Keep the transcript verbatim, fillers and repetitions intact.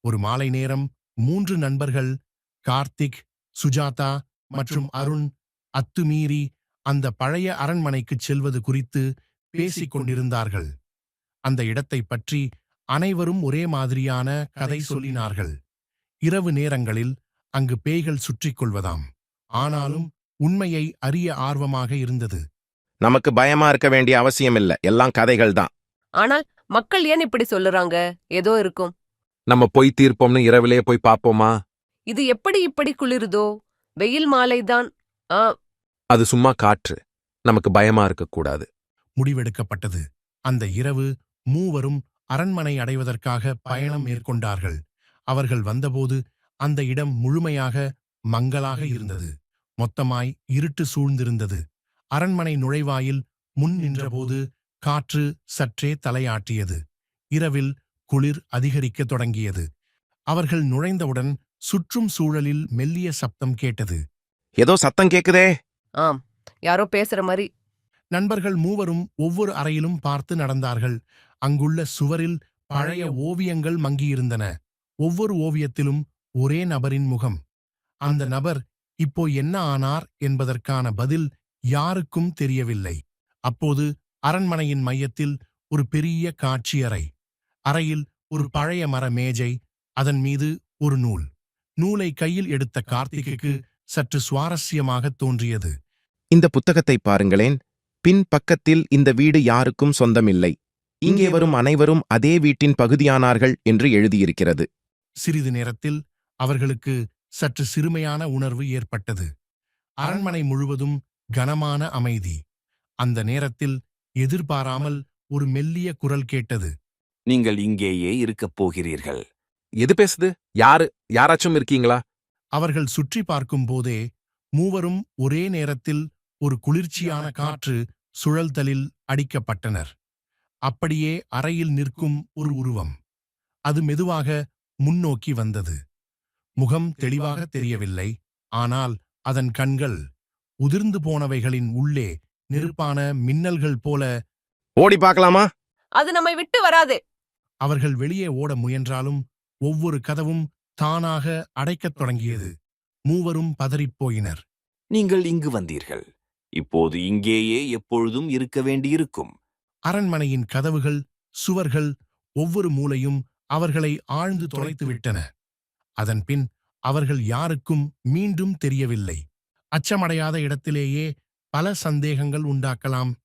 ஒரு மாலை நேரம் மூன்று நண்பர்கள் கார்த்திக், சுஜாதா மற்றும் அருண் அத்துமீறி அந்த பழைய அரண்மனைக்குச் செல்வது குறித்து பேசிக் கொண்டிருந்தார்கள். அந்த இடத்தைப் பற்றி அனைவரும் ஒரே மாதிரியான கதை சொல்லினார்கள். இரவு நேரங்களில் அங்கு பேய்கள் சுற்றிக் கொள்வதாம். ஆனாலும் உண்மையை அறிய ஆர்வமாக இருந்தது. நமக்கு பயமா இருக்க வேண்டிய அவசியம் இல்ல, எல்லாம் கதைகள் தான். ஆனால் மக்கள் ஏன் இப்படி சொல்லுறாங்க? ஏதோ இருக்கும். நம்ம போய் தீர்ப்போம்னு இரவிலே போய் பாப்போமா? இது எப்படி இப்படி குளிருதோ? வெயில் மாலைதான். ஆ, அது சும்மா காற்று. நமக்கு பயமா இருக்கக்கூடாது. முடிவெடுக்கப்பட்டது. அந்த இரவு மூவரும் அரண்மனை அடைவதற்காக பயணம் மேற்கொண்டார்கள். அவர்கள் வந்தபோது அந்த இடம் முழுமையாக மங்கலாக இருந்தது. மொத்தமாய் இருட்டு சூழ்ந்திருந்தது. அரண்மனை நுழைவாயில் முன் நின்றபோது காற்று சற்றே தலையாட்டியது. இரவில் குளிர் அதிகரிக்கத் தொடங்கியது. அவர்கள் நுழைந்தவுடன் சுற்றும் சூழலில் மெல்லிய சப்தம் கேட்டது. ஏதோ சத்தம் கேக்குதே. ஆம், யாரோ பேசுற மாதிரி. நண்பர்கள் மூவரும் ஒவ்வொரு அறையிலும் பார்த்து நடந்தார்கள். அங்குள்ள சுவரில் பழைய ஓவியங்கள் மங்கியிருந்தன. ஒவ்வொரு ஓவியத்திலும் ஒரே நபரின் முகம். அந்த நபர் இப்போ என்ன ஆனார் என்பதற்கான பதில் யாருக்கும் தெரியவில்லை. அப்போது அரண்மனையின் மையத்தில் ஒரு பெரிய காட்சியறை. அறையில் ஒரு பழைய மர மேஜை, அதன் மீது ஒரு நூல். நூலை கையில் எடுத்த கார்த்திக்கு சற்று சுவாரஸ்யமாகத் தோன்றியது. இந்த புத்தகத்தை பாருங்களேன். பின் பக்கத்தில் இந்த வீடு யாருக்கும் சொந்தமில்லை, இங்கே வரும் அனைவரும் அதே வீட்டின் பகுதியானார்கள் என்று எழுதியிருக்கிறது. சிறிது நேரத்தில் அவர்களுக்கு சற்று சிறுமையான உணர்வு ஏற்பட்டது. அரண்மனை முழுவதும் கனமான அமைதி. அந்த நேரத்தில் எதிர்பாராமல் ஒரு மெல்லிய குரல் கேட்டது. நீங்கள் இங்கேயே இருக்கப் போகிறீர்கள். எது பேசுது? யாரு? யாராச்சும் இருக்கீங்களா? அவர்கள் சுற்றி பார்க்கும் போதே மூவரும் ஒரே நேரத்தில் ஒரு குளிர்ச்சியான காற்று சுழல்தலில் அடிக்கப்பட்டனர். அப்படியே அறையில் நிற்கும் ஒரு உருவம். அது மெதுவாக முன்னோக்கி வந்தது. முகம் தெளிவாக தெரியவில்லை, ஆனால் அதன் கண்கள் உதிர்ந்து போனவைகளின் உள்ளே நெருப்பான மின்னல்கள் போல. ஓடி பார்க்கலாமா? அது நம்மை விட்டு வராதே. அவர்கள் வெளியே ஓட முயன்றாலும் ஒவ்வொரு கதவும் தானாக அடைக்கத் தொடங்கியது. மூவரும் பதறிப்போயினர். நீங்கள் இங்கு வந்தீர்கள். இப்போது இங்கேயே எப்பொழுதும் இருக்க வேண்டியிருக்கும். அரண்மனையின் கதவுகள், சுவர்கள், ஒவ்வொரு மூலையும் அவர்களை ஆழ்ந்து தொலைத்துவிட்டன. அதன்பின் அவர்கள் யாருக்கும் மீண்டும் தெரியவில்லை. அச்சமடையாத இடத்திலேயே பல சந்தேகங்கள் உண்டாக்கலாம்.